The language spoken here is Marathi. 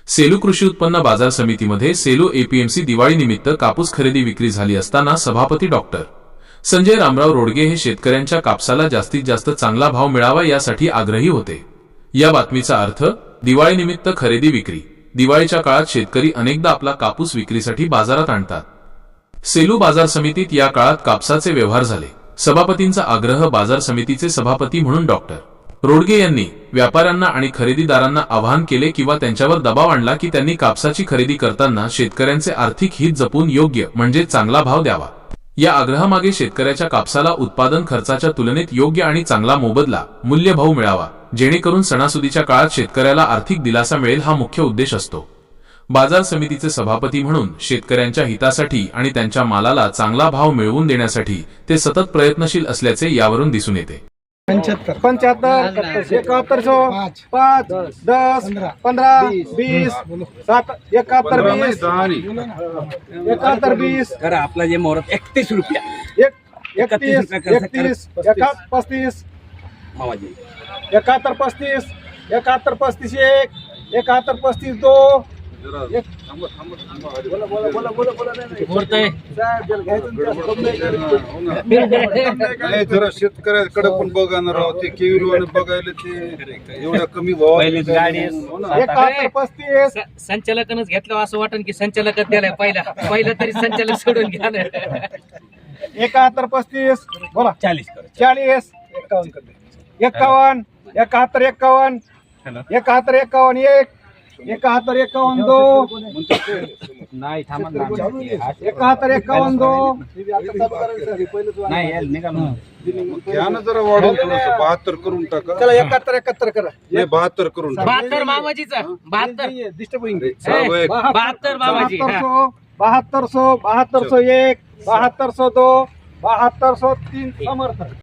सेलू कृषी उत्पन्न बाजार समितीमध्ये सेलू एपीएमसी दिवाळी निमित्त कापूस खरेदी विक्री झाली असताना सभापती डॉक्टर संजय रामराव रोडगे हे शेतकऱ्यांच्या कापसाला जास्तीत जास्त चांगला भाव मिळावा यासाठी आग्रही होते। या बातमीचा अर्थ दिवाळी निमित्त खरेदी विक्री। दिवाळीच्या काळात शेतकरी अनेकदा आपला कापूस विक्रीसाठी बाजारात आणतात। सेलू बाजार समितीत या काळात कापसाचे व्यवहार झाले। सभापतींचा आग्रह बाजार समितीचे सभापती म्हणून डॉक्टर रोडगे यांनी व्यापाऱ्यांना आणि खरेदीदारांना आवाहन केले किंवा त्यांच्यावर दबाव आणला की त्यांनी कापसाची खरेदी करताना शेतकऱ्यांचे आर्थिक हित जपून योग्य म्हणजे चांगला भाव द्यावा। या आग्रहामागे शेतकऱ्याच्या कापसाला उत्पादन खर्चाच्या तुलनेत योग्य आणि चांगला मोबदला मूल्यभाव मिळावा, जेणेकरून सणासुदीच्या काळात शेतकऱ्याला आर्थिक दिलासा मिळेल हा मुख्य उद्देश असतो। बाजार समितीचे सभापती म्हणून शेतकऱ्यांच्या हितासाठी आणि त्यांच्या मालाला चांगला भाव मिळवून देण्यासाठी ते सतत प्रयत्नशील असल्याचे यावरून दिसून येते। 75 71 5 10 15 20 7 71 20 करा आपला जे मोहरत 31 रुपया 31 31 35 मामाजी 71 35 71 35 1 71 35 2 जरा शेतकऱ्याकडे पण बघा ना राव, ते केविलवाने बघायला ते एवढ्या कमी भावात गाडी 71 35 संचालकानच घेतलं असं वाटन की संचालकच द्यायला पहिला तरी संचालक सोडून घ्या ना। 71 35 बोला 40 कर 40 51 71 51 71 51 1 71 51 2 नाही थांबा ना 71 51 2 नाही यार निघालो घ्या ना जरा वाढवून थोडंसं 72 करून टाका। चला 71 71 करा हे 72 करून टाका। 72 मामाजीचा 72 डिस्टर्ब होईल 72 मामाजी 7200 7201 7202 7203 समर्थ।